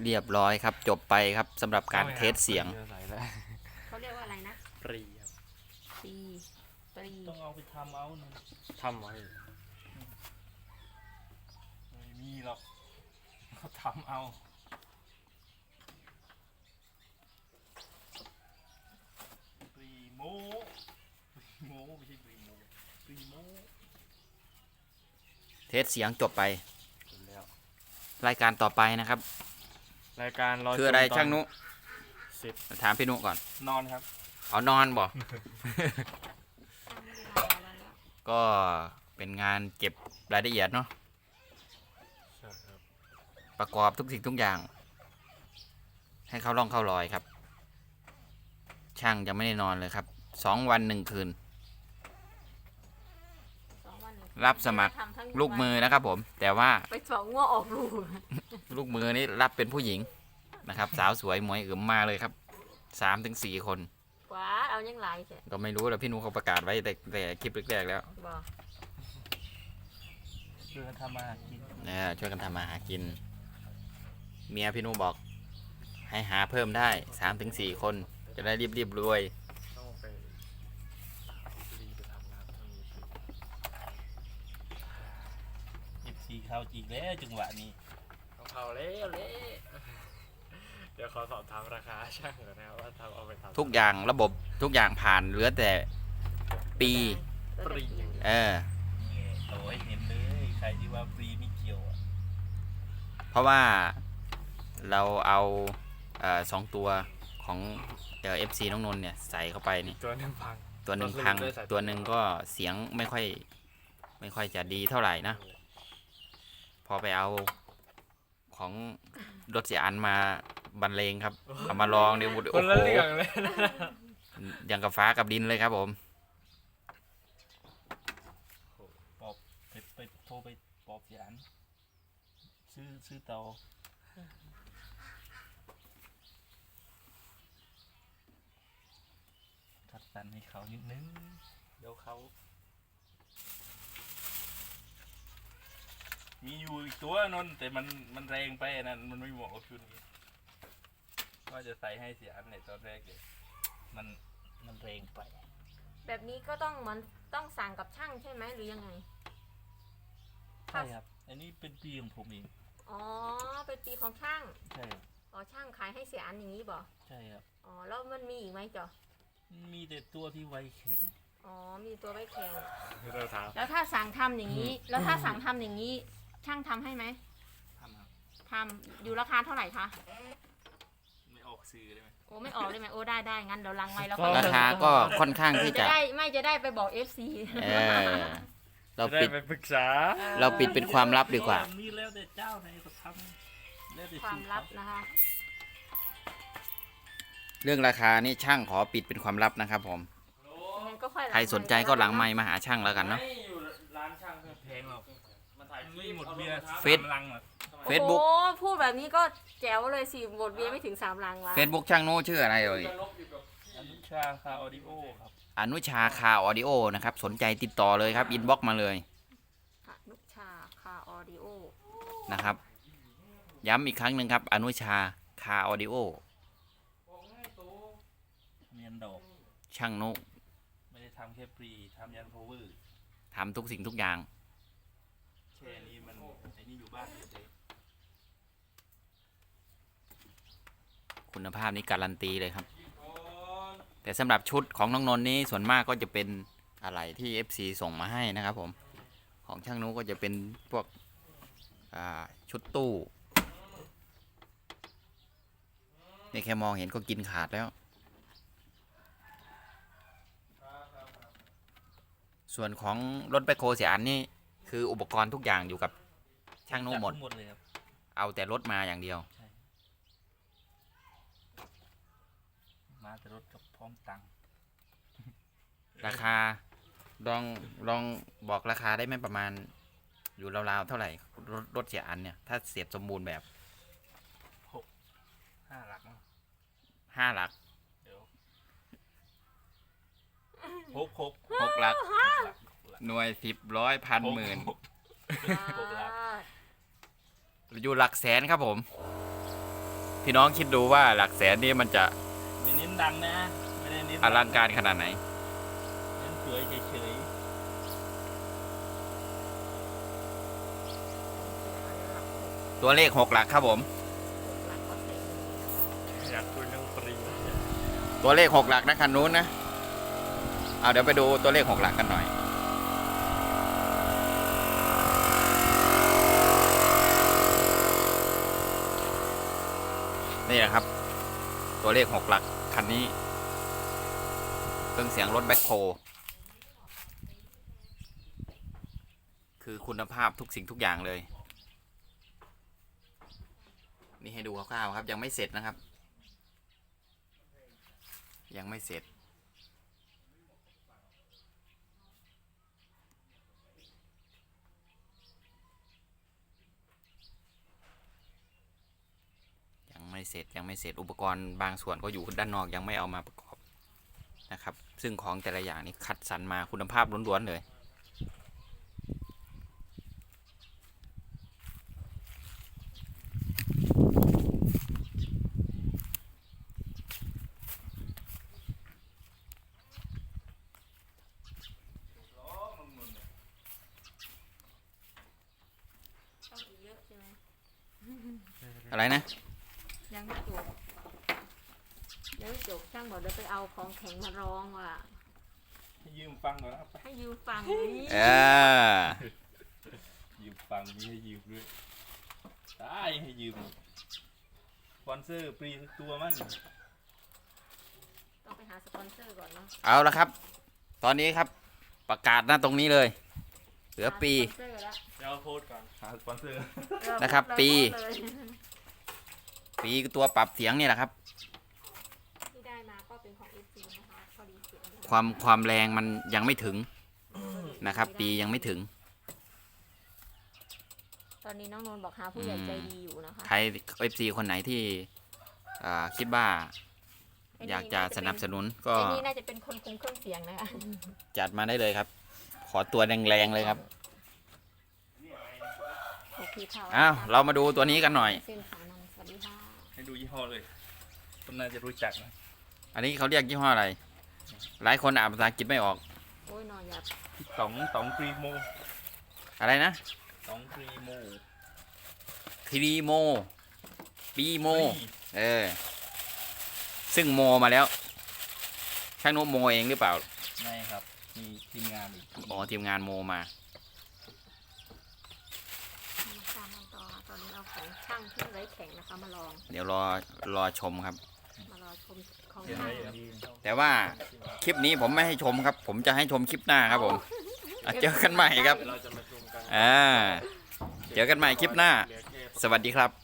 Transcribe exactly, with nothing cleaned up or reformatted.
เรียบร้อยครับจบไปครับสำหรับการเทสเสียงเขาเรียกว่าอะไรนะปรีครับปรีปรีต้องเอาไปทำเอานะทำไว้ไม่มีหรอกเขาทำเอาปรีโมปรีโมไม่ใช่ปรีโมปรีโมเทสเสียงจบไปรายการต่อไปนะครับรายการคืออะไรช่างนุสิบถามพี่นุก่อนนอนครับเอานอนบ่ก็เป็นงานเก็บรายละเอียดเนาะประกอบทุกสิ่งทุกอย่างให้เข้าร่องเข้ารอยครับช่างยังไม่ได้นอนเลยครับสองวันหนึ่งคืนรับสมัครลูกมือนะครับผมแต่ว่าไปสองง้อออกลูกลูกมือนี้รับเป็นผู้หญิงนะครับสาวสวยหมวยอึ๋มมาเลยครับสามถึงสี่คนว้าเอายังไงก็ไม่รู้แล้วพี่นุเขาประกาศไว้แต่แต่คลิปแรกๆแล้วช่วยกันทำมาหากินเนี่ยช่วยกันทำมาหากินเมียพี่นุบอกให้หาเพิ่มได้สามถึงสี่คนจะได้รีบๆรวยเข้าจริงแล้วจังหวะนี้ต้องเข้าแล้วเละเดี๋ยวขอสอบถามราคาช่างก่อนนะครับว่าทำเอาไปทำทุกอย่างระบบทุกอย่างผ่านเหลือแต่ปีปรีเออโอ้ยเห็นเลยใครที่ว่าปรีไม่เกี่ยวอ่ะเพราะว่าเราเอาเอ่อสองตัวของเอฟซีน้องนนท์เนี่ยใส่เข้าไปนี่ตัวหนึ่งพังตัวหนึ่งพังตัวหนึ่งก็เสียงไม่ค่อยไม่ค่อยจะดีเท่าไหร่นะพอไปเอาของรถเสียอันมาบรรเลงครับเอามาลองเดี๋ยวโอ้โหอย่างกับฟ้ากับดินเลยครับผมปอบไปไปโทรไปปอบเสียอันซื้อซื้อเตาทัดสันให้เขานิดนึงเดี๋ยวเขามีอยู่อีกตัวนนแต่มันมันแรงไปนั่นมันไม่เหมาะกับชุดนี้ก็จะใส่ให้เสียอันในตอนแรกเลยมันมันแรงไปแบบนี้ก็ต้องเหมือนต้องสั่งกับช่างใช่ไหมหรือยังไงใช่ครับอันนี้เป็นปีของผมเองอ๋อเป็นปีของช่างใช่อ๋อช่างขายให้เสียอันอย่างนี้บ่ใช่ครับอ๋อแล้วมันมีอีกไหมจ๊ะมีแต่ตัวที่ไวแข็งอ๋อมีตัวไว้แข็งแล้วถ้าสั่งทำอย่างนี้แล้วถ้าสั่งทำอย่างนี้ช่างทำให้ไหมทำครับทำอยู่ราคาเท่าไหร่คะไม่ออกซื้อได้ไหมโอ้ไม่ออกได้ไหมโอ้ได้ได้งั้นเดี๋ยวลังไว้แล้วราคาก็ค่อนข้างที่จะได้ไม่จะได้ไปบอก เอฟ ซีเออเราปิดไปปรึกษาเราปิดเป็นความลับดีกว่านี่แล้วแต่เจ้าไหนก็ทำแล้วแต่ความลับนะคะเรื่องราคานี่ช่างขอปิดเป็นความลับนะครับผมใครสนใจก็หลังไมค์มาหาช่างแล้วกันเนาะร้านช่างแพงหรอกไม่หมดเบียร์เฟซเฟซบุ๊กโอ้พูดแบบนี้ก็แจ๋วเลยสิหมดเบียร์ไม่ถึงสามลังวะเฟซบุ๊กช่างโน้ชื่ออะไรเอ่ยอนุชาคาออดิโอครับอนุชาคาออดิโอนะครับสนใจติดต่อเลยครับอินบ็อกมาเลยอนุชาคาออดิโอนะครับย้ำอีกครั้งหนึ่งครับอนุชาคาออดิโอเมียนดอกช่างโน้ไม่ได้ทำแค่ปรีทำยันโพเวอร์ทำทุกสิ่งทุกอย่างแค่นี้มันไอ้นี่อยู่บ้านเฉยคุณภาพนี้การันตีเลยครับแต่สำหรับชุดของน้องนนท์นี้ส่วนมากก็จะเป็นอะไรที่ เอฟ ซี ส่งมาให้นะครับผมของช่างนุก็จะเป็นพวกชุดตู้นี่แค่มองเห็นก็กินขาดแล้วส่วนของรถแบคโฮเสียอันนี่คืออุปกรณ์ทุกอย่างอยู่กับช่างนุหมดเอาแต่รถมาอย่างเดียวมาแต่รถกับพร้อมตังค์ราคาลองลองบอกราคาได้ไหมประมาณอยู่ราวๆเท่าไหร่รถรถเสียอันเนี่ยถ้าเสียบสมบูรณ์แบบหกห้าหลักห้าหลักเดี๋ยวหกหกหกหลักหน่วยสิบร้อยพันหมื่นอยู่หลักแสนครับผมพี่น้องคิดดูว่าหลักแสนนี่มันจะไม่เน้นดังนะไม่ได้เน้นอลังการขนาดไหนเน้นสวยเฉยตัวเลขหกหลักครับผมอยากคุยเรื่องปริงตัวเลขหกหลักนะคันนู้นนะเอาเดี๋ยวไปดูตัวเลขหกหลักกันหน่อยนี่แหละครับ ตัวเลขหกหลักคันนี้เครื่องเสียงรถแบ็คโฮคือคุณภาพทุกสิ่งทุกอย่างเลยนี่ให้ดูคร่าวๆครับยังไม่เสร็จนะครับ ยังไม่เสร็จยังไม่เสร็จยังไม่เสร็จอุปกรณ์บางส่วนก็อยู่ด้านนอกยังไม่เอามาประกอบนะครับซึ่งของแต่ละอย่างนี้คัดสรรมาคุณภาพล้วนๆเลยอะไรนะยังไม่จบยังไม่จบช่างบอกเดี๋ยวไปเอาของแข็งมาร้องว่ะๆให้ยืมฟังก่อนนะครับให้ยืมฟังนี้เออยืมฟังมีให้ยืมด้วยได้ให้ยืมสปอนเซอร์ฟรีทุกตัวมั้งต้องไปหาสปอนเซอร์ก่อนเนาะเอาละครับ ตอนนี้ครับประกาศหน้าตรงนี้เลย เหลือปีหาสปอนเซอร์แล้วเดี๋ยวพูดก่อนหาสปอนเซอร์เออนะครับพูดเลยปีพูดเลยปีตัวปรับเสียงนี่แหละครับที่ได้มาก็เป็นของ เอฟ ซี นะคะพอดีเสียงความความแรงมันยังไม่ถึงนะครับ ปียังไม่ถึงตอนนี้น้องนนท์บอกหาผู้ใหญ่ใจดีอยู่นะคะใคร เอฟ ซี คนไหนที่อ่าคิดว่าอยากจะสนับสนุนก็ไอ้นี่น่าจะเป็นคนคุมเครื่องเสียงนะคะจัดมาได้เลยครับ ขอตัวแรงๆเลยครับโอเคค่ะอ้าวเรามาดูตัวนี้กันหน่อยเส้นขานนท์สวัสดีค่ะให้ดูยี่ห้อเลยคนน่าจะรู้จักนะอันนี้เขาเรียกยี่ห้ออะไร หลายคนอ่านภาษาอังกฤษไม่ออกโอ้ยนอนหยับต๋องต๋องพรีโมอะไรนะต๋องพรีโมทีรีโมปีโมฟรีเออ ซึ่งโมมาแล้ว ช่างโนโมเองหรือเปล่าไม่ครับมีทีมงานอีกอ๋อทีมงานโมมามาตามกันต่อตอนนี้เอาของช่างที่ไร้แข็งนะคะมาลองเดี๋ยวรอรอชมครับมารอชมของเดี๋ยวช่างให้ยืมแต่ว่าคลิปนี้ผมไม่ให้ชมครับ ผมจะให้ชมคลิปหน้าครับผมอ่ะเจอกันใหม่ครับเดี๋ยวเราจะมาชมกันอ่า เจอกันใหม่คลิปหน้าเหลือแค่สวัสดีครับ